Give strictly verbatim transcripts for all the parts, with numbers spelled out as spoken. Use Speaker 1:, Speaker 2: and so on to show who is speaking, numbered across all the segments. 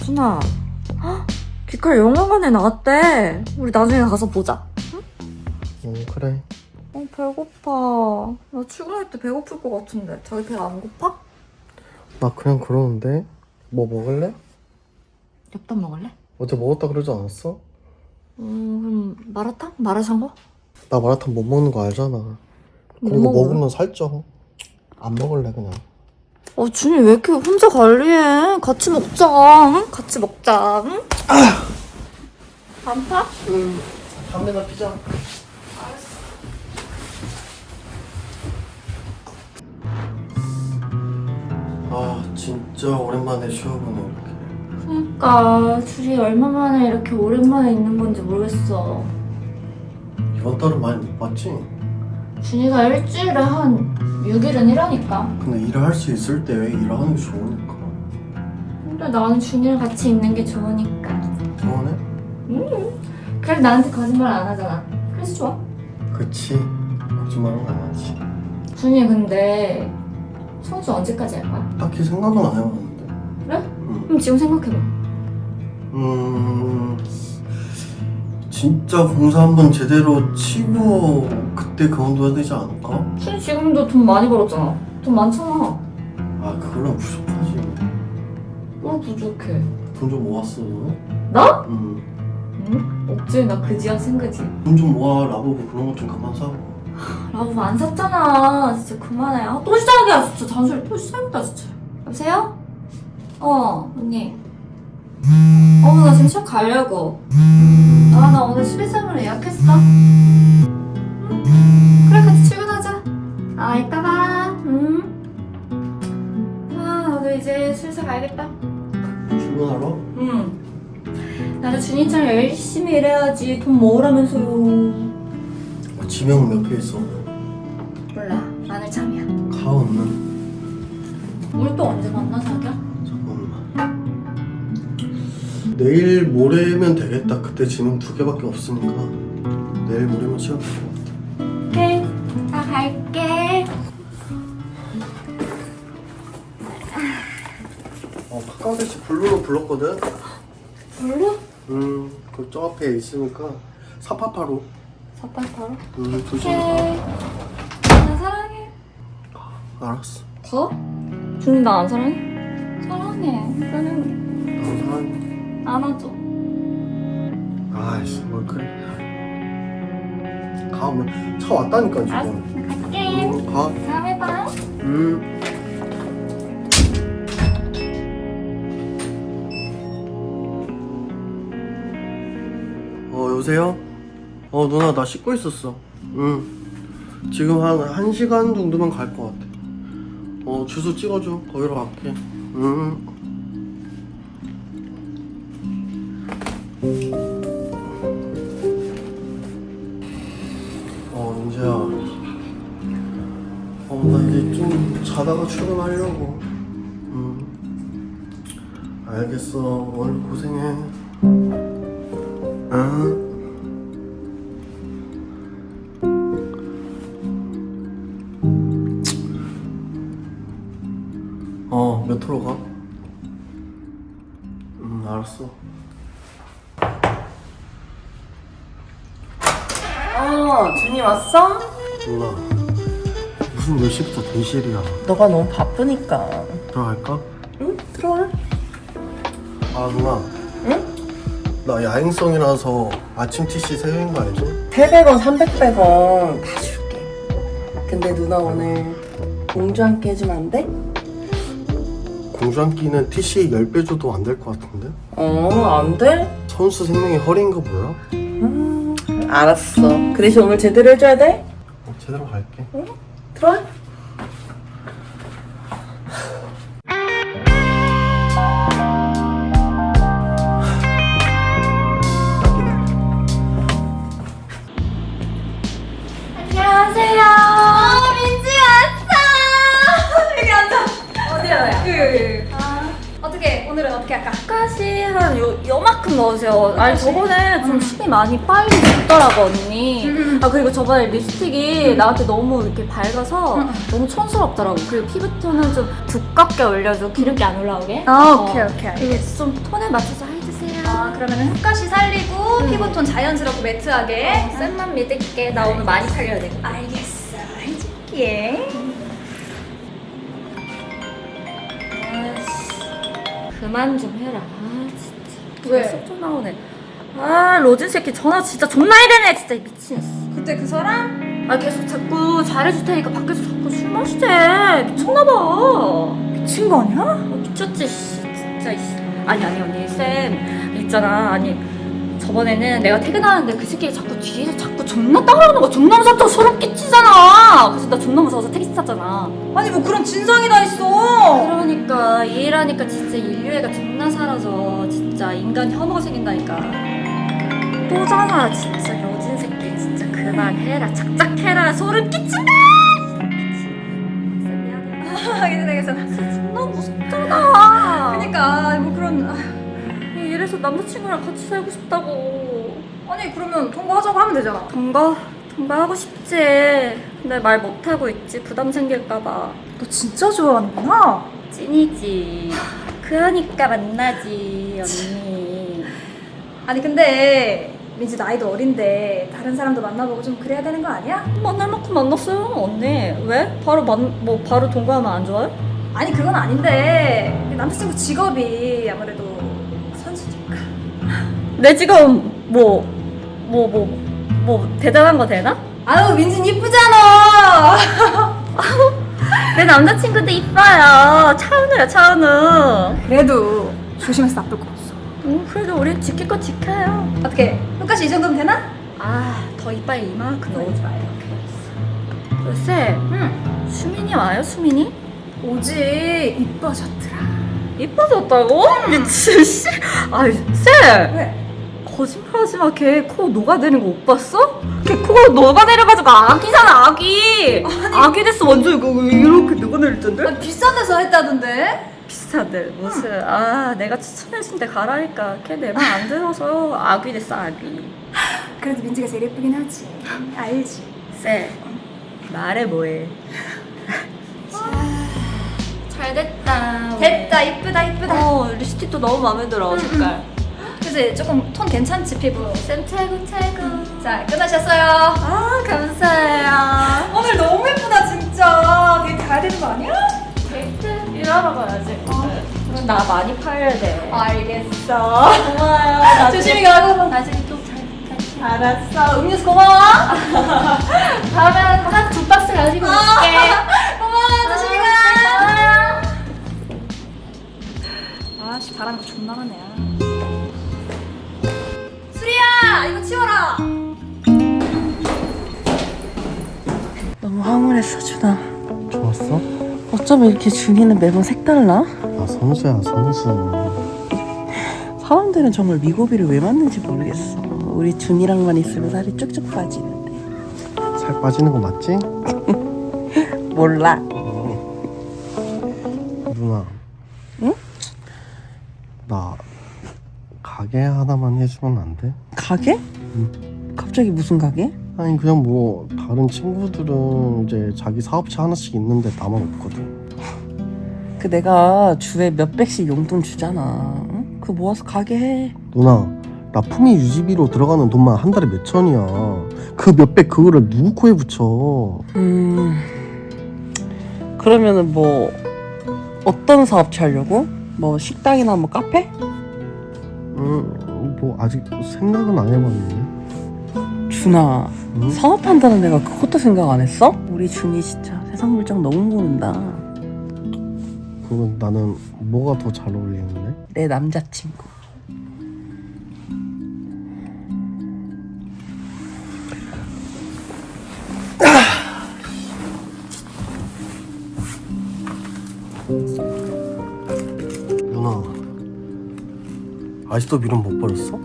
Speaker 1: 준아, 헉, 귀칼 영화관에 나왔대. 우리 나중에 가서 보자. 응?
Speaker 2: 응 그래.
Speaker 1: 어, 배고파. 나 출근할 때 배고플 것 같은데. 자기 배 안 고파?
Speaker 2: 나 그냥 그러는데. 뭐 먹을래?
Speaker 1: 엽떡 먹을래?
Speaker 2: 어제 먹었다 그러지 않았어?
Speaker 1: 음, 그럼 마라탕? 마라샹궈?
Speaker 2: 나 마라탕 못 먹는 거 알잖아. 그리고
Speaker 1: 먹어?
Speaker 2: 먹으면 살쪄. 안 먹을래 그냥.
Speaker 1: 어, 준이 왜 이렇게 혼자 관리해? 같이 먹자. 응? 같이 먹자. 응? 안 파?
Speaker 2: 응. 담배나 피자. 아 진짜 오랜만에 쉬어보네 이렇게.
Speaker 1: 그러니까 둘이 얼마만에 이렇게 오랜만에 있는 건지 모르겠어.
Speaker 2: 이번 달은 많이 못 봤지?
Speaker 1: 준이가 일주일에 한 육 일은 일하니까.
Speaker 2: 근데 일을 할 수 있을 때 일을 하는 게 좋으니까.
Speaker 1: 근데 나는 준이랑 같이 있는 게 좋으니까.
Speaker 2: 좋으네?
Speaker 1: 음. 그래서 나한테 거짓말 안 하잖아. 그래서 좋아.
Speaker 2: 그치. 거짓말은 안 하지.
Speaker 1: 준이 근데 청소 언제까지 할 거야?
Speaker 2: 딱히 생각은 안 해봤는데.
Speaker 1: 그래?
Speaker 2: 응.
Speaker 1: 그럼 지금 생각해봐.
Speaker 2: 음... 진짜 공사 한번 제대로 치고 그때 그만둬야 되지 않을까?
Speaker 1: 준이 지금도 돈 많이 벌었잖아. 돈 많잖아.
Speaker 2: 아 그거랑 부족하지.
Speaker 1: 뭘 부족해?
Speaker 2: 돈 좀 모았어 너?
Speaker 1: 나?
Speaker 2: 응.
Speaker 1: 응? 없지. 나 그지야 생그지.
Speaker 2: 돈 좀 모아. 라보브 그런 것 좀 그만 사고.
Speaker 1: 라부 안 샀잖아. 진짜 그만해. 아, 또 시작이야. 진짜 잔소리 또 시작이다 진짜. 여보세요? 어 언니. 어 나 지금 시험 가려고. 아 나 오늘 십일점으로 예약했어. 응? 그래 같이 출근하자. 아 이따 봐. 응? 아 나도 이제 슬슬 가야겠다.
Speaker 2: 출근하러?
Speaker 1: 응. 나도 준이처럼 열심히 일해야지 돈 모으라면서요.
Speaker 2: 지명 몇 개 있어?
Speaker 1: 몰라. 마늘 참이야.
Speaker 2: 가온은?
Speaker 1: 우리 또 언제 만나 자기야?
Speaker 2: 잠깐만. 내일 모레면 되겠다. 그때 지명 두 개밖에 없으니까 내일 모레면 시간 될 것 같아.
Speaker 1: 오케이. 나 갈게.
Speaker 2: 어 카카오 대시 블루로 불렀거든?
Speaker 1: 별로?
Speaker 2: 음, 그 저 앞에 있으니까 사파파로.
Speaker 1: 사팔팔로?
Speaker 2: 음, 조심.
Speaker 1: 오케이. 나 사랑해.
Speaker 2: 알았어.
Speaker 1: 더? 준이 나 안 사랑해? 사랑해. 사랑해.
Speaker 2: 나도 사랑해.
Speaker 1: 안아줘.
Speaker 2: 아이씨, 뭘 그래. 가, 오면 차 왔다니까
Speaker 1: 알았어.
Speaker 2: 지금.
Speaker 1: 갈게.
Speaker 2: 음, 가.
Speaker 1: 다음에 봐.
Speaker 2: 음. 어 여보세요? 어 누나 나 씻고 있었어. 응. 지금 한 한 시간 정도면 갈 것 같아. 어 주소 찍어줘. 거기로 갈게. 응. 어 윤재야. 어 나 이제 좀 자다가 출근하려고. 응. 알겠어. 오늘 고생해. 응. 어, 몇 호로 가? 응, 알았어.
Speaker 3: 어, 준이 왔어?
Speaker 2: 누나, 무슨 몇 시부터 대실이야?
Speaker 3: 너가 너무 바쁘니까.
Speaker 2: 들어갈까?
Speaker 3: 응, 들어와.
Speaker 2: 아, 누나.
Speaker 3: 응?
Speaker 2: 나 야행성이라서 아침 티씨 세 개인 거 알지?
Speaker 3: 팔백 원, 삼백 원 다 줄게. 근데 누나 오늘 공주 함께 해주면 안 돼?
Speaker 2: 공주 한 끼는 티씨 십 배 줘도 안 될 것 같은데?
Speaker 3: 어, 안 돼?
Speaker 2: 선수 생명이 허리인 거 몰라?
Speaker 3: 음, 알았어. 그 대신 오늘 제대로 해줘야 돼?
Speaker 2: 어, 제대로 갈게.
Speaker 3: 응? 들어와.
Speaker 1: 안녕하세요. 어, 민지 왔어. 여기 앉아. 어디야, 너야? 여기, 여기. 아, 어떻게, 오늘은 어떻게 할까? 가시 한 요, 요만큼 이만큼 넣으세요. 아니 저번에 좀 힘이 많이 빨리 죽더라고 언니.
Speaker 4: 음.
Speaker 1: 아 그리고 저번에 립스틱이 나한테 너무 이렇게 밝아서
Speaker 4: 음.
Speaker 1: 너무 촌스럽더라고. 그리고 피부톤은 좀 두껍게 올려줘. 기름기 안 올라오게.
Speaker 4: 아,
Speaker 1: 어.
Speaker 4: 오케이, 오케이,
Speaker 1: 그리고
Speaker 4: 알겠어.
Speaker 1: 좀 톤에 맞춰서 해주세요.
Speaker 4: 아, 그러면은 흑가시 살리고
Speaker 1: 음.
Speaker 4: 피부톤 자연스럽고 매트하게.
Speaker 1: 어, 쌤만 믿을게. 나 오늘 많이 팔려야 돼.
Speaker 4: 알겠어. 해줄게.
Speaker 1: 아이씨, 그만 좀 해라. 아 진짜.
Speaker 4: 왜?
Speaker 1: 계속 좀 나오네. 아 로진 새끼 전화 진짜 존나 해대네. 진짜 미친.
Speaker 4: 그때 그 사람?
Speaker 1: 아 계속 자꾸 잘해줄 테니까 밖에서 자꾸 술 마시재. 미쳤나봐.
Speaker 4: 미친 거 아니야?
Speaker 1: 어, 미쳤지 씨. 진짜 씨. 아니 아니 언니 쌤 있잖아. 아니 저번에는 내가 퇴근하는데 그 새끼 자꾸 뒤에서 자꾸 존나 따라오는 거 존나 무섭다고 소름 끼치잖아. 그래서 나 존나 무서워서 택시 탔잖아.
Speaker 4: 아니 뭐 그런 진상이 다 있어.
Speaker 1: 그러니까 이 일하니까 진짜 인류애가 존나 사라져. 진짜 인간 혐오가 생긴다니까. 또잖아 진짜 여진 새끼. 진짜 그만해라. 착착해라. 소름 끼친다. 쌤 미안해.
Speaker 4: 아, 괜찮아, 괜찮아.
Speaker 1: 진짜 존나 무섭잖아.
Speaker 4: 그니까 뭐 그런. 아,
Speaker 1: 이래서 남자친구랑 같이 살고 싶다고.
Speaker 4: 아니 그러면 통과하자고 하면 되잖아.
Speaker 1: 동거? 동거하고 싶지. 근데 말 못하고 있지. 부담 생길까봐.
Speaker 4: 너 진짜 좋아하는구나.
Speaker 1: 찐이지. 그러니까 만나지 언니.
Speaker 4: 아니 근데 민지 나이도 어린데 다른 사람도 만나보고 좀 그래야 되는 거 아니야?
Speaker 1: 만날 만큼 만났어요 언니. 왜? 바로 만, 뭐 바로 동거하면 안 좋아요?
Speaker 4: 아니 그건 아닌데 남자친구 직업이 아무래도 선수니까.
Speaker 1: 내 지금 뭐 뭐 뭐 뭐 대단한 거 되나?
Speaker 4: 아유 민진 이쁘잖아.
Speaker 1: 내 남자친구도 이뻐요. 차은우야 차은우.
Speaker 4: 그래도 조심해서 나쁠 거 없어.
Speaker 1: 음, 그래도 우리 지킬 거 지켜요.
Speaker 4: 어떻게 흑가시 이 정도면 되나?
Speaker 1: 아, 더 이빨 이만큼 넣어줘. 글쎄,
Speaker 4: 응.
Speaker 1: 수민이 와요, 수민이?
Speaker 4: 오지 이뻐졌더라.
Speaker 1: 이뻐졌다고? 미친, 씨. 아이, 쌤!
Speaker 4: 왜?
Speaker 1: 거짓말하지 마. 걔 코 녹아내린 거 못 봤어? 걔 코 녹아내려가지고 아기잖아, 아기! 아기 됐어, 완전 이거 이렇게 녹아내릴 텐데?
Speaker 4: 아니, 비싼 데서 했다던데?
Speaker 1: 비슷한데, 무슨. 아, 내가 추천해준 데 가라니까. 걔 내 말 안 들어서 아기 됐어, 아기.
Speaker 4: 그래도 민지가 제일 예쁘긴 하지. 알지?
Speaker 1: 쌤, 말해 뭐해. 잘 됐다.
Speaker 4: 됐다 이쁘다 이쁘다.
Speaker 1: 어, 립스틱도 너무 마음에 들어, 색깔.
Speaker 4: 그치 조금 톤 괜찮지 피부.
Speaker 1: 쌤 최고 최고.
Speaker 4: 자 끝나셨어요.
Speaker 1: 아, 감사해요.
Speaker 4: 오늘 너무 예쁘다 진짜. 데이트 가야 되는 거 아니야?
Speaker 1: 데이트 일하러 가야지. 그럼 나 많이 팔려야 돼.
Speaker 4: 알겠어.
Speaker 1: 고마워요. 나중에-
Speaker 4: 조심히 가고.
Speaker 1: 나중에 또잘 부탁해.
Speaker 4: 알았어. 음료수 고마워.
Speaker 1: 다음에 한 두 박스 가지고 올게.
Speaker 4: 고마워. 조심히 가.
Speaker 1: 고마워요.
Speaker 4: 아씨 바람 존나 나네. 수리야 이거 치워라.
Speaker 3: 너무 황홀했어 준아.
Speaker 2: 좋았어?
Speaker 3: 어쩌면 이렇게 준이는 매번 색달라?
Speaker 2: 아 선수야 선수.
Speaker 3: 사람들은 정말 미고비를 왜 맞는지 모르겠어. 우리 준이랑만 있으면 살이 쭉쭉 빠지는데.
Speaker 2: 살 빠지는 거 맞지?
Speaker 3: 몰라.
Speaker 2: 누나.
Speaker 3: 응?
Speaker 2: 나 가게 하나만 해주면 안 돼?
Speaker 3: 가게? 갑자기 무슨 가게?
Speaker 2: 아니 그냥 뭐 다른 친구들은 이제 자기 사업체 하나씩 있는데 나만 없거든.
Speaker 3: 그 내가 주에 몇백씩 용돈 주잖아. 응? 그거 모아서 가게 해.
Speaker 2: 누나 나 품위 유지비로 들어가는 돈만 한 달에 몇 천이야. 그 몇백 그거를 누구 코에 붙여.
Speaker 3: 음... 그러면은 뭐 어떤 사업체 하려고? 뭐 식당이나 뭐 카페?
Speaker 2: 음뭐 아직 생각은 안 해봤는데.
Speaker 3: 준아,
Speaker 2: 응?
Speaker 3: 사업한다는 내가 그것도 생각 안 했어? 우리 준이 진짜 세상 물정 너무 모른다.
Speaker 2: 그러면 나는 뭐가 더 잘 어울리는데?
Speaker 3: 내 남자친구.
Speaker 2: 누나 아직도 미련 못 버렸어?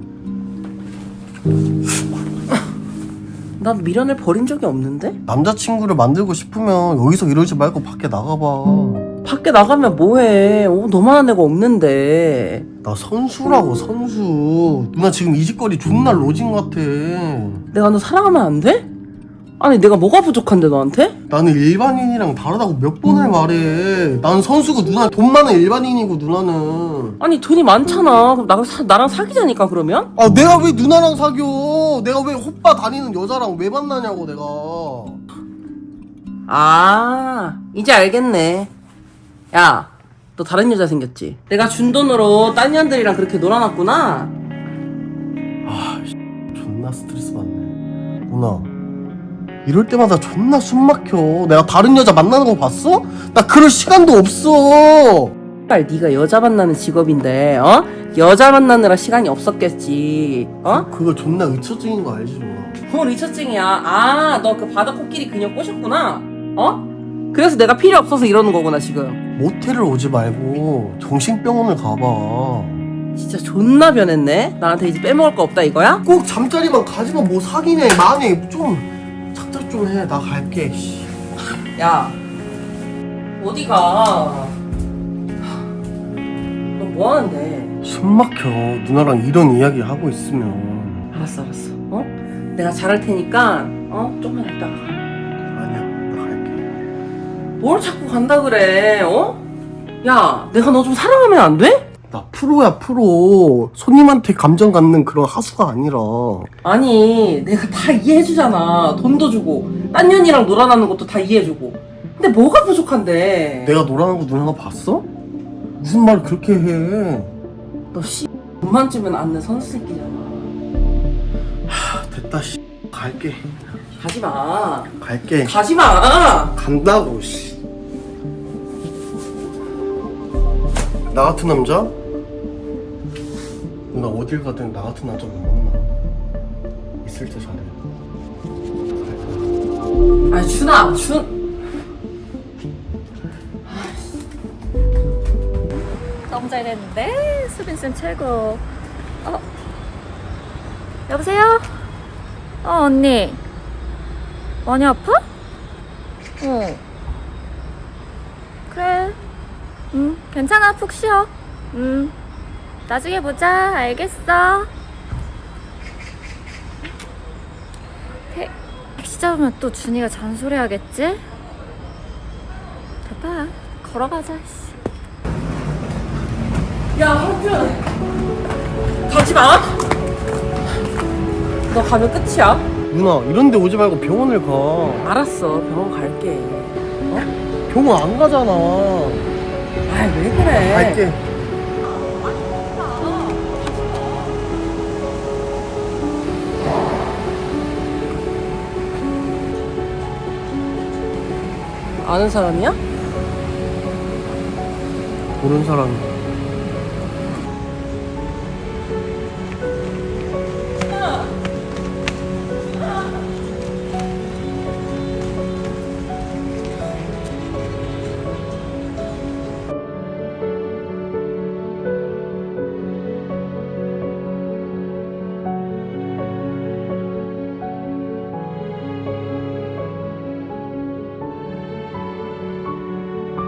Speaker 3: 난 미련을 버린 적이 없는데?
Speaker 2: 남자친구를 만들고 싶으면 여기서 이러지 말고 밖에 나가봐.
Speaker 3: 밖에 나가면 뭐해? 어, 너만한 애가 없는데.
Speaker 2: 나 선수라고 선수. 누나 지금 이 짓거리 존나 로진 같아.
Speaker 3: 내가 너 사랑하면 안 돼? 아니 내가 뭐가 부족한데 너한테?
Speaker 2: 나는 일반인이랑 다르다고 몇 번을 말해. 나는 선수고 누나 돈 많은 일반인이고 누나는.
Speaker 3: 아니 돈이 많잖아. 그럼 나, 사, 나랑 사귀자니까 그러면?
Speaker 2: 아 내가 왜 누나랑 사겨? 내가 왜 호빠 다니는 여자랑 왜 만나냐고 내가.
Speaker 3: 아 이제 알겠네. 야 너 다른 여자 생겼지? 내가 준 돈으로 딴 년들이랑 그렇게 놀아놨구나.
Speaker 2: 아 존나 스트레스 받네. 누나 이럴 때마다 존나 숨 막혀. 내가 다른 여자 만나는 거 봤어? 나 그럴 시간도 없어.
Speaker 3: 빨 네가 여자 만나는 직업인데 어? 여자 만나느라 시간이 없었겠지. 어?
Speaker 2: 그거 존나 의처증인 거 알지 누나?
Speaker 3: 뭐 리처증이야. 아 너 그 바다 코끼리 그녀 꼬셨구나. 어? 그래서 내가 필요 없어서 이러는 거구나 지금.
Speaker 2: 모텔을 오지 말고 정신병원을 가봐.
Speaker 3: 진짜 존나 변했네. 나한테 이제 빼먹을 거 없다 이거야?
Speaker 2: 꼭 잠자리만 가지마. 뭐 사귀네 마네. 좀 착착 좀 해. 나 갈게. 씨.
Speaker 3: 야 어디가? 너 뭐하는데?
Speaker 2: 숨 막혀. 누나랑 이런 이야기 하고 있으면.
Speaker 3: 알았어 알았어. 어? 내가 잘할 테니까 어? 좀만 있다가 가.
Speaker 2: 아니야 나 갈게.
Speaker 3: 뭘 자꾸 간다 그래? 어? 야 내가 너 좀 사랑하면 안 돼?
Speaker 2: 나 프로야 프로. 손님한테 감정 갖는 그런 하수가 아니라.
Speaker 3: 아니 내가 다 이해해주잖아. 돈도 주고 딴 년이랑 놀아나는 것도 다 이해해주고. 근데 뭐가 부족한데?
Speaker 2: 내가 노라는 거 누나가 봤어? 무슨 말 그렇게 해.
Speaker 3: 너 씨 돈만 주면 안는 선수 새끼잖아.
Speaker 2: 하, 됐다 씨. 갈게.
Speaker 3: 가지마.
Speaker 2: 갈게.
Speaker 3: 가지마.
Speaker 2: 간다고 씨. 나 같은 남자? 누나 어딜 가든 나 같은 남자 못 만나. 있을 때 잘해. 갈게.
Speaker 3: 아니 준아 준.
Speaker 1: 너무 잘 됐는데? 수빈쌤 최고. 어? 여보세요? 어, 언니. 많이 아파? 어. 그래. 응, 괜찮아. 푹 쉬어. 응. 나중에 보자. 알겠어. 태, 택시 잡으면 또 준이가 잔소리하겠지? 됐다. 걸어가자. 씨.
Speaker 3: 야 한준 가지마. 너 가면 끝이야.
Speaker 2: 누나 이런데 오지 말고 병원을 가.
Speaker 3: 알았어 병원 갈게.
Speaker 2: 병원 안 가잖아.
Speaker 3: 아이 왜 그래?
Speaker 2: 갈게.
Speaker 3: 아는 사람이야?
Speaker 2: 모르는 사람이.